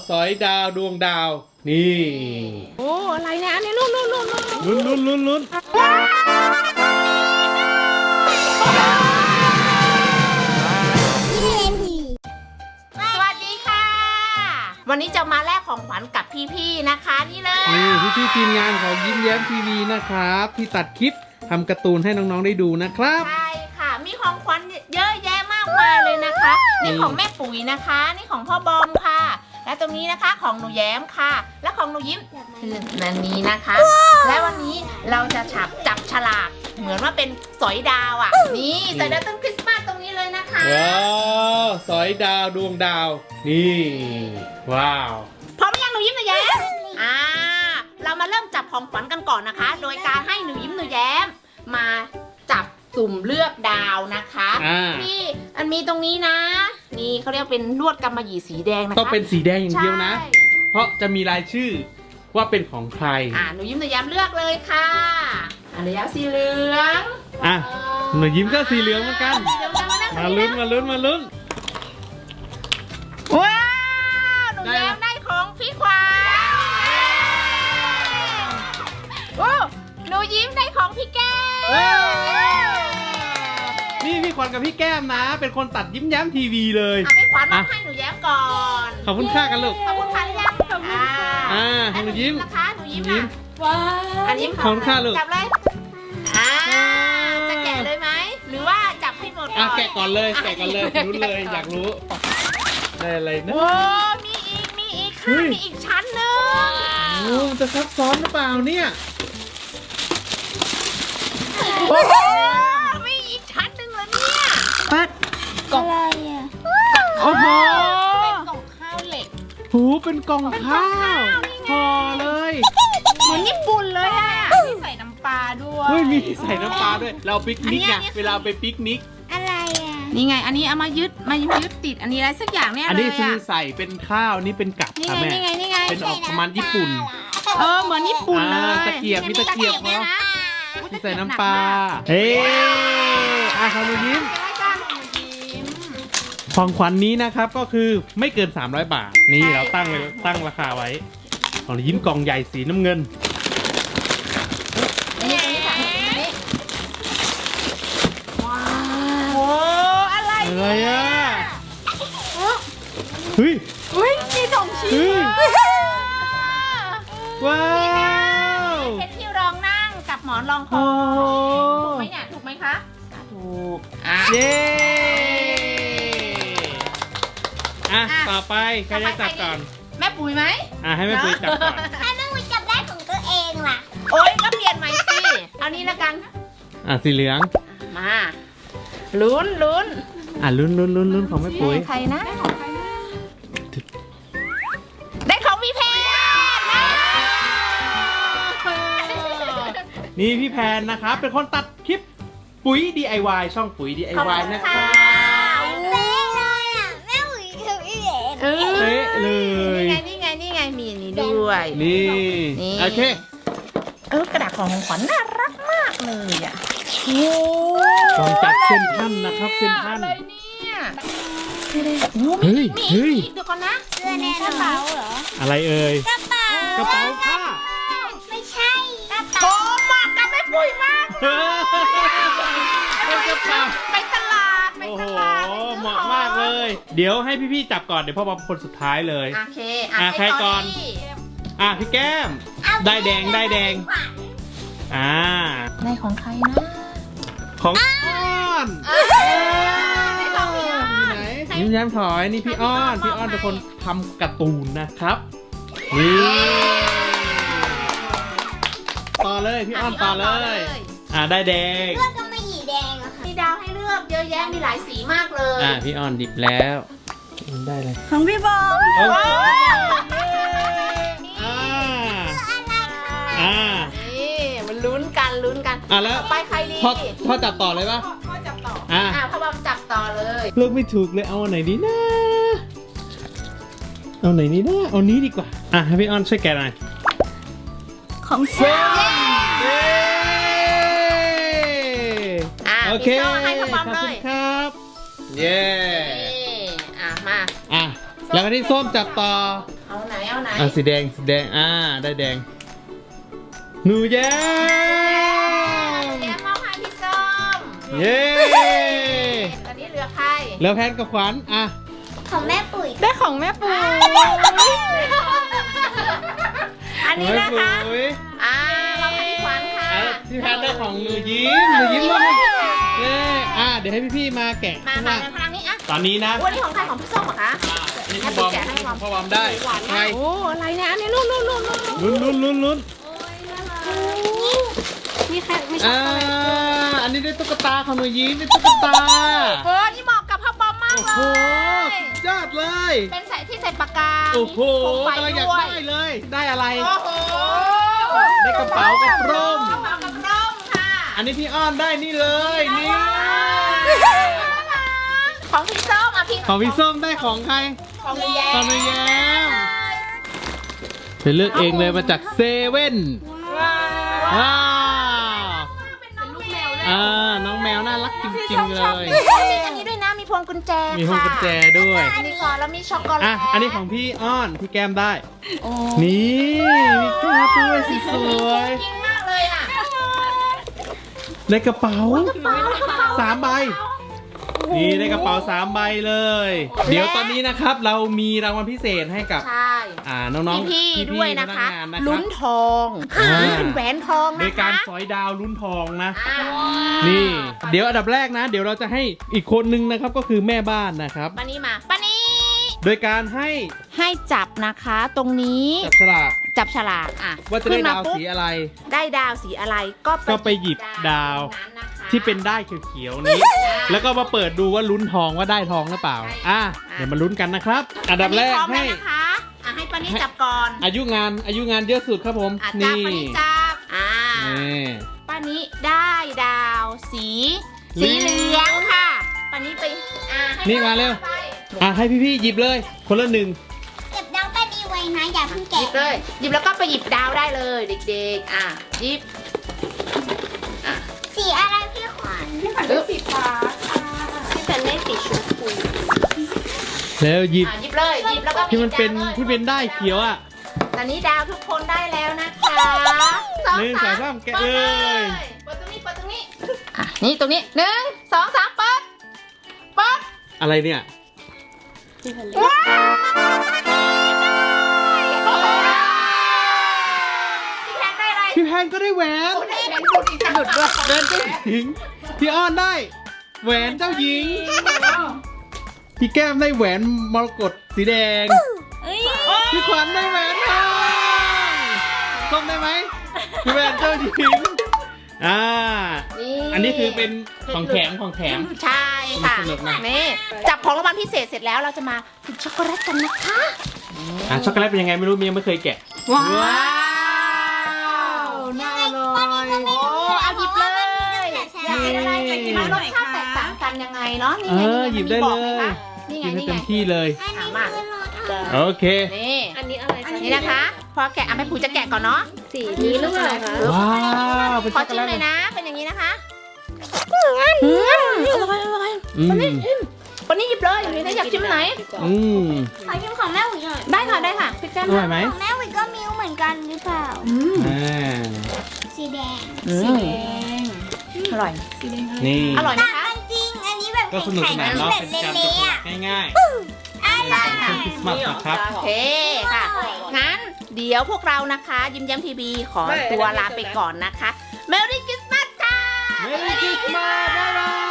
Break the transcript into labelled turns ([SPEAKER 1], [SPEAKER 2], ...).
[SPEAKER 1] สอยดาวดวงดาวนี่
[SPEAKER 2] โอ้อะไรเนี่ยอันนี้ลุ้น
[SPEAKER 1] ลุ้น
[SPEAKER 2] สวัสดีค่ะ วันนี้จะมาแลกของขวัญกับพี่ๆนะคะนี่เลย
[SPEAKER 1] นี่พี่ทีมงานของยิ้มแย้มทีวีนะครับที่ตัดคลิปทำการ์ตูนให้น้องๆได้ดูนะครับ
[SPEAKER 2] ใช่ค่ะมีของขวัญเยอะแยะมากมายเลยนะคะนี่ของแม่ปุ๋ยนะคะนี่ของพ่อบอมค่ะ และตรงนี้นะคะของหนูแย้มค่ะ และของหนูยิ้มคือนันนี้นะคะ และวันนี้เราจะจับฉลากเหมือนว่าเป็นสอยดาวอ่ะนี่สอยดาวต้นคริสต์มาสตรงนี้เลยนะคะ
[SPEAKER 1] ว้าวสอยดาวดวงดาวนี่ว้าว
[SPEAKER 2] พร้อมหรือยังหนูยิ้มหนูแย้มเรามาเริ่มจับของขวัญกันก่อนนะคะ โดยการให้หนูยิ้มหนูแย้มมาจับสุ่มเลือกดาวนะคะนี่อันมีตรงนี้นะนี่เขาเรียกเป็นลวดกำมะหยี่สีแดงนะคะ
[SPEAKER 1] ต้องเป็นสีแดงอย่างเดียวนะ
[SPEAKER 2] ใช่
[SPEAKER 1] เพราะจะมีรายชื่อว่าเป็นของใคร
[SPEAKER 2] หนูยิ้มหนูแย้มเลือกเลยค่ะหนูแย้มสีเหลือง
[SPEAKER 1] หนูยิ้มก็สีเหลืองเหมือนกัน
[SPEAKER 2] สีเหลือง
[SPEAKER 1] มาลุ้น
[SPEAKER 2] ว้าวหนูแย้มได้ของพี่ขวัญโอ้หนูยิ้มได้ของพี่แก้ม
[SPEAKER 1] นี่พี่ขวัญกับพี่แก้มนะ เป็นคนตัดยิ้มแย้มทีวีเลย
[SPEAKER 2] พี่ขวัญมาให้หนูแย้มก่อน
[SPEAKER 1] ขอบคุณค่ากันลูก
[SPEAKER 2] ขอบคุณค่ะหรือยังขอบคุณค่ะ
[SPEAKER 1] ให้หนูยิ้ม
[SPEAKER 2] นะคะหนูยิ้มอ่ะ
[SPEAKER 3] ว้า
[SPEAKER 2] อันยิ้ม
[SPEAKER 1] ขอบคุณค่ะลูก
[SPEAKER 2] จับเลยจะแกะเลยไหมหรือว่าจับให้หมดก่อน
[SPEAKER 1] แกะก่อนเลยรู้เลยอยากรู้ได้อะไรนะ
[SPEAKER 2] โอ้มีอีกค่ะมีอีกชั้นหนึง
[SPEAKER 1] โอ้มันจะซับซ้อนหรือเปล่าเนี่ย
[SPEAKER 2] โอ้มีอีกชั้นหนึงเหรอเนี่ย
[SPEAKER 1] ปัด
[SPEAKER 3] อะไรอ่ะ
[SPEAKER 1] โอ้โห
[SPEAKER 2] เป็นกล่องข้าวเหล็ก
[SPEAKER 1] หูเป็นกล่องข้าวห่อเลย
[SPEAKER 2] เหมือนญี่ปุ่นเลยอ่ะมีใส่น้ำปลาด้วย
[SPEAKER 1] เฮ้ยมีใส่น้ำปลาด้วยเราปิกนิกไง
[SPEAKER 2] อันนี้
[SPEAKER 1] เวลาไปปิกนิก
[SPEAKER 3] อะไรอ่ะ
[SPEAKER 2] นี่ไงอันนี้เอามายึดติดอันนี้อะไรสักอย่างเนี่ย
[SPEAKER 1] อัน
[SPEAKER 2] เล
[SPEAKER 1] นี้
[SPEAKER 2] ย
[SPEAKER 1] คือ
[SPEAKER 2] อ่ะ
[SPEAKER 1] ใส่เป็นข้าวนี่เป็นกับ
[SPEAKER 2] นี่
[SPEAKER 1] ค่ะ
[SPEAKER 2] ไง
[SPEAKER 1] แม่
[SPEAKER 2] นี่ไง
[SPEAKER 1] เป็นออกประมาณญี่ปุ่น
[SPEAKER 2] เหมือนญี่ปุ่นเลย
[SPEAKER 1] ตะเกียบมีตะเกียบ
[SPEAKER 2] นี่
[SPEAKER 1] เนาะ
[SPEAKER 2] อุ๊ย
[SPEAKER 1] ที่ใส่น้ำปลาเฮ้ขอบคุณยิ้ม
[SPEAKER 2] ได้จ้าหนูยิ้ม
[SPEAKER 1] ของขวัญนี้นะครับก็คือไม่เกิน300 บาทนี่
[SPEAKER 2] ใช่
[SPEAKER 1] เราตั้งราคาไว้ของยิ้มกล่องใหญ่สีน้ำเงิน
[SPEAKER 2] นี่ค่ะนี่ว้าวโอ้อะไร
[SPEAKER 1] อะไรอ่ะเฮ้ย
[SPEAKER 2] อุ้ยมีสองชิ้น
[SPEAKER 1] เฮ้ย ว้าว
[SPEAKER 2] เพชรที่รองนั่งกับหมอนรองคอ
[SPEAKER 1] โอ้
[SPEAKER 2] ถูกไหมเนี่ยถูกไหมคะถูก
[SPEAKER 1] เย้อ่ะ
[SPEAKER 2] อ่ะ
[SPEAKER 1] ต่อไปใครจะจับก่อน
[SPEAKER 2] แม่ปุ๋ยไหม
[SPEAKER 1] ให้แม่ปุ้ยจับก่อน
[SPEAKER 3] ถ้าแม่วิจับได้ของตัวเองล่ะ
[SPEAKER 2] โอ๊ยก็เปลี่ยนใหม่สิเอานี้ละกัน
[SPEAKER 1] สีเหลือง
[SPEAKER 2] มาลุ้น
[SPEAKER 1] ลุ้นของแม่ปุ้ย
[SPEAKER 2] ใครนะได้ของพี่แพน
[SPEAKER 1] นี่พี่แพนนะครับ เป็นคนตัดคลิปปุ๋ย DIY ช่องปุ๋ย DIY นะครับ
[SPEAKER 3] เป๊ะเลยอ่ะ แม่วิกับพี่เอ๋
[SPEAKER 1] เป๊ะเลย
[SPEAKER 2] นี่ไงมีอันนี้ด้วย
[SPEAKER 1] นี่
[SPEAKER 2] นี่
[SPEAKER 1] โอเค
[SPEAKER 2] กระดาษของขวัญน่ารักมากเลยอ่ะโอ้
[SPEAKER 1] กล่องจากเซนทรันนะครับเซนทรัน
[SPEAKER 2] อะไรเนี่ยโอ้
[SPEAKER 1] เฮ้ย
[SPEAKER 2] มี
[SPEAKER 1] เฮ้ย
[SPEAKER 2] อีกเดี๋ยวก่อนนะ
[SPEAKER 3] เสื้อแน่นอนเหรอ
[SPEAKER 1] อะไรเอ่ย
[SPEAKER 3] กระเป๋าก
[SPEAKER 1] ระเป๋าผ้า
[SPEAKER 3] ไม่ใช่กระ
[SPEAKER 2] โอ้
[SPEAKER 3] เป๋า
[SPEAKER 2] เหมาะกับแม่ปุ๋ยมาก
[SPEAKER 1] เฮ้ยเป็นกระเป๋า
[SPEAKER 2] ไปตลาด
[SPEAKER 1] โอ้โหเหมาะมากเลย เดี๋ยวให้พี่ๆจับก่อนเดี๋ยวพ่อบอมคนสุดท้ายเลย
[SPEAKER 2] โอเค
[SPEAKER 1] ใครก่อน พี่แก้มได้แดงได้
[SPEAKER 2] ของใครนะ
[SPEAKER 1] ของอ้อน
[SPEAKER 2] ได้ของพี่อ้อน
[SPEAKER 1] ไหนยิ้มแย้มถอยนี่พี่อ้อนเป็นคนทำการ์ตูนนะครับนี่ต่อเลยพี่อ้อนต่อเลยได้แดง
[SPEAKER 3] เสื้อกำมะหยี่แดงอะค่ะ
[SPEAKER 2] มีดาวให้เลือกเยอะแยะมีหลายสีมากเลย
[SPEAKER 1] พี่อ้อนดิบแล้วได้เลย
[SPEAKER 3] ของพี่บอม
[SPEAKER 1] โอ้โห
[SPEAKER 2] นี่มันลุ้นกัน
[SPEAKER 1] แล้ว
[SPEAKER 2] ไปใครดี
[SPEAKER 1] พ่อจับต่อเลยป่ะ
[SPEAKER 2] พ่อจับต่อ พ่อบอมจับต่อเลย
[SPEAKER 1] เลือกไม่ถูกเลยเอาอันไหนดีนะเอาไหนดีนะเอานี้ดีกว่าให้พี่อ้อนช่วยแกะหน่อย
[SPEAKER 3] ของเซล
[SPEAKER 1] โอเค
[SPEAKER 2] ให้พ่อบอม
[SPEAKER 1] ขอบ
[SPEAKER 2] เล
[SPEAKER 1] คุณ
[SPEAKER 2] ย
[SPEAKER 1] ครับ เย้
[SPEAKER 2] มา
[SPEAKER 1] แล้วก็ที่ส้มจับต่อ
[SPEAKER 2] เอาเอาไหนเอาไหน
[SPEAKER 1] สีแดงได้แดงหนูแย้ม
[SPEAKER 2] แย้มมอบให้พี่ส้ม
[SPEAKER 1] เย้
[SPEAKER 2] ตอนนี้เหลือใคร
[SPEAKER 1] แล้วแพนกับขวัญ
[SPEAKER 3] ของแม่ปุ๋ย
[SPEAKER 2] ได้ของแม่ปูอันนี้นะคะ
[SPEAKER 1] โอ้ย
[SPEAKER 2] มอบให้พี่ขวัญค่ะ
[SPEAKER 1] พี่แพนได้ของหนูยิ้มว่าเย้เดี๋ยวให้พี่ๆมาแกะ
[SPEAKER 2] มา
[SPEAKER 1] ข้างล่าง
[SPEAKER 2] ทางนี้อ่ะ
[SPEAKER 1] ตอนนี้นะ
[SPEAKER 2] วันนี้ของใครของพี่ส้มเหรอคะ
[SPEAKER 1] นี่พ่อบอมได้ไง
[SPEAKER 2] โอ้อะไรเนี่ยอันนี้ลุ้น
[SPEAKER 1] ลุ้น
[SPEAKER 3] มีใครไม่ชอบอะไร
[SPEAKER 1] อันนี้ได้ตุ๊กตาของหนูยิ้มได้ตุ๊กตา
[SPEAKER 2] โอ้นี่เหมาะกับพ่อบอมมาก
[SPEAKER 1] โอ้
[SPEAKER 2] เล
[SPEAKER 1] โห
[SPEAKER 2] ย
[SPEAKER 1] ยอดเลย
[SPEAKER 2] เป็นใส่ที่ใส่ปากกา
[SPEAKER 1] โอ้โห
[SPEAKER 2] มีโคมไฟ
[SPEAKER 1] กำลังอยาก
[SPEAKER 2] ด้วย
[SPEAKER 1] ได้เลย ได้อะไร
[SPEAKER 2] โอ้โห
[SPEAKER 1] ได้กระเป๋ากับร่ม
[SPEAKER 2] กระเป๋ากับร่มค่ะ
[SPEAKER 1] อันนี้พี่อ้อนได้นี่เลยนี่
[SPEAKER 2] ของพี่ส้มพี่
[SPEAKER 1] ของพี่ส้มได้ของใคร
[SPEAKER 2] ของพี่แย้
[SPEAKER 1] ของหนูแย้มไปเลือกเองเลยมาจากเซเว่น ว้าว
[SPEAKER 2] เป็นน้องแมวเลย
[SPEAKER 1] น้องแมวน่ารักจริงๆเลย
[SPEAKER 2] มีอันนี้ด้วยนะ มีพวงกุญแจ
[SPEAKER 1] มีพวงกุญแจด้วย
[SPEAKER 2] อันนี้ก่อนแล้วมีช็อกโกแลต
[SPEAKER 1] อันนี้ของพี่อ้อนพี่แก้มได้
[SPEAKER 2] โอ้
[SPEAKER 1] นี่มีแก้มด้วยสีสวย
[SPEAKER 2] จริงมากเลยอ่ะ
[SPEAKER 1] ในกระเป๋า3 ใบ นี่ได้กระเป๋า3 ใบเลย เดี๋ยวตอนนี้นะครับเรามีรางวัลพิเศษให้กับ
[SPEAKER 2] ใช่
[SPEAKER 1] น้องๆ
[SPEAKER 2] พี่ๆด้วยนะคะ
[SPEAKER 1] พกงานนะค
[SPEAKER 2] ลุ้
[SPEAKER 1] รับ
[SPEAKER 2] นทอง
[SPEAKER 1] อ่า
[SPEAKER 2] เป็นแหวนทอง
[SPEAKER 1] โด
[SPEAKER 2] นะ
[SPEAKER 1] ยการ
[SPEAKER 2] คะ
[SPEAKER 1] สอยดาวลุ้นทองนะ
[SPEAKER 2] อ่า
[SPEAKER 1] นี่ เดี๋ยวอันดับแรกนะ เดี๋ยวเราจะให้อีกคนนึงนะครับก็คือแม่บ้านนะครับ
[SPEAKER 2] ปานี้มาปานี้
[SPEAKER 1] โดยการให้
[SPEAKER 2] ให้จับนะคะ ตรงนี้
[SPEAKER 1] จับฉลาก
[SPEAKER 2] จับฉลากอ่ะ
[SPEAKER 1] ว่าจะได้
[SPEAKER 2] ขึ้นม
[SPEAKER 1] ดาว
[SPEAKER 2] ปุ๊บ
[SPEAKER 1] สีอะไร
[SPEAKER 2] ได้ดาวสีอะไรก็
[SPEAKER 1] ก็ไปหยิบดาว
[SPEAKER 2] นั้นนะคะ
[SPEAKER 1] ที่เป็นได้เขียวๆนี้ แล้วก็มาเปิดดูว่าลุ้นทองว่าได้ทองหรือเปล่า เดี๋ยวมาลุ้นกันนะครับ อันดับแรก
[SPEAKER 2] พร้อม
[SPEAKER 1] ให้
[SPEAKER 2] แล้วนะคะให้ปานี้จับก่อน
[SPEAKER 1] อายุงานเยอะสุดครับผม
[SPEAKER 2] จับ
[SPEAKER 1] นี่
[SPEAKER 2] ปานี้จับ
[SPEAKER 1] นี่
[SPEAKER 2] ปานี้ได้ดาวสีเหลืองค่ะปานี้ไปให้
[SPEAKER 1] นี่มาเร็ว
[SPEAKER 2] ไป
[SPEAKER 1] ให้พี่ๆหยิบเลยคนละหนึ่ง
[SPEAKER 3] เก็บน้องก็ดีไว้นะอย่าเพิ่ง
[SPEAKER 2] หยิ
[SPEAKER 3] แกะ
[SPEAKER 2] บเลยหยิบแล้วก็ไปหยิบดาวได้เลยเด็กๆหยิบ
[SPEAKER 3] สีอะไรพี่ขวัญพี่ขวัญเป็นสีฟ้าค่ะพี่ขวัญเป็นสีชมพู
[SPEAKER 1] แล้วหยิบ
[SPEAKER 2] หยิบเลยหยิบแล้วก็
[SPEAKER 1] ที่มันเป็น
[SPEAKER 2] หยิบดาวลย
[SPEAKER 1] ที่เป็นได้เขียวอ่ะ
[SPEAKER 2] ตอนนี้ดาวทุกคนได้แล้วนะคะ
[SPEAKER 1] หนึ่งสองสามแกะเลย
[SPEAKER 2] เปิดตรงนี้นี่ตรงนี้1 2 3เปิดปั๊บ
[SPEAKER 1] อะไรเนี่ย
[SPEAKER 2] ว้าวพี่แพนได้อะไร
[SPEAKER 1] พี่แพนก็ได้แหวน
[SPEAKER 2] โอ้ได้แหวนพูดอีกหยุดด้วย
[SPEAKER 1] แหวนเจ้าหญิงพี่อ้อนได้ แหวนเจ้าหญิง พี่แก้มได้แหวนมรกตสีแดง พี่ขวัญได้แหวนทองส้มได้ไหมพี่แหวนเจ้าหญิงอันนี้คือเป็นของแถม
[SPEAKER 2] ใช่ค่ะ
[SPEAKER 1] สนุกนะ
[SPEAKER 2] นี่จับของรางวัลพิเศษเสร็จแล้วเราจะมากินช็อกโกแลตกันนะคะ
[SPEAKER 1] ช็อกโกแลตเป็นยังไงไม่รู้เมียไม่เคยแกะ
[SPEAKER 2] ว้าวน่าอร่อยโอ้เอาหยิบเลยอยากกินอะไรอยากกินอะไรรสชาติแตกต่างกันยังไงเนาะนี่ไง
[SPEAKER 1] หยิบได้เลย
[SPEAKER 2] นี่ไง
[SPEAKER 1] กินให้
[SPEAKER 2] นี่
[SPEAKER 1] เต็
[SPEAKER 2] ไง
[SPEAKER 1] มที่เลย
[SPEAKER 3] อันนี้
[SPEAKER 2] มา
[SPEAKER 3] คือรสอะไร
[SPEAKER 1] โอเค
[SPEAKER 2] นี่
[SPEAKER 3] อันนี้อะไรคะ
[SPEAKER 2] นี่นะคะ พอแกะแม่ปุ๋ยจะแกะก่อนเนาะ
[SPEAKER 3] สีนี้หรือเปล่าคะ
[SPEAKER 1] ว้าวเป็น
[SPEAKER 2] ขอ
[SPEAKER 1] ช็อกโก
[SPEAKER 2] ชิม
[SPEAKER 1] แลต
[SPEAKER 2] เลยนะ เป็นอย่างนี้นะคะ
[SPEAKER 3] อร่อย
[SPEAKER 1] อืม
[SPEAKER 2] วันนี้หยิบเลยอยู่นี่อยากชิมไหน
[SPEAKER 1] อืม
[SPEAKER 3] ขอชิมของแม่หุยหน่อย
[SPEAKER 2] ได้ค่ะพี่แก้ม
[SPEAKER 1] อร่อยไหม
[SPEAKER 3] ของแม่หุยก็มิ้วเหมือนกันหรือเปล่า
[SPEAKER 1] อ่า
[SPEAKER 3] สีแดง
[SPEAKER 2] สีแดงอร่อย
[SPEAKER 1] นี่
[SPEAKER 2] อร่อยไหม
[SPEAKER 3] ต่าง
[SPEAKER 2] คะ
[SPEAKER 3] กันจริง อันนี้แบบ
[SPEAKER 1] ก็สนุกสนานเนาะ
[SPEAKER 3] แบบ
[SPEAKER 1] เป็นการต
[SPEAKER 3] เละ
[SPEAKER 1] ก
[SPEAKER 3] ๆอ่ะ
[SPEAKER 1] แต่งง่าย
[SPEAKER 3] อะไร
[SPEAKER 1] ๆช่วงคริสต์มาสนะครับ
[SPEAKER 2] โอเคค่ะ งั้นเดี๋ยวพวกเรานะคะ ยิ้มแย้มทีวีขอตัวลาไปก่อนนะคะ Merry Christmas ค่ะ
[SPEAKER 1] Merry Christmas บ๊ายบาย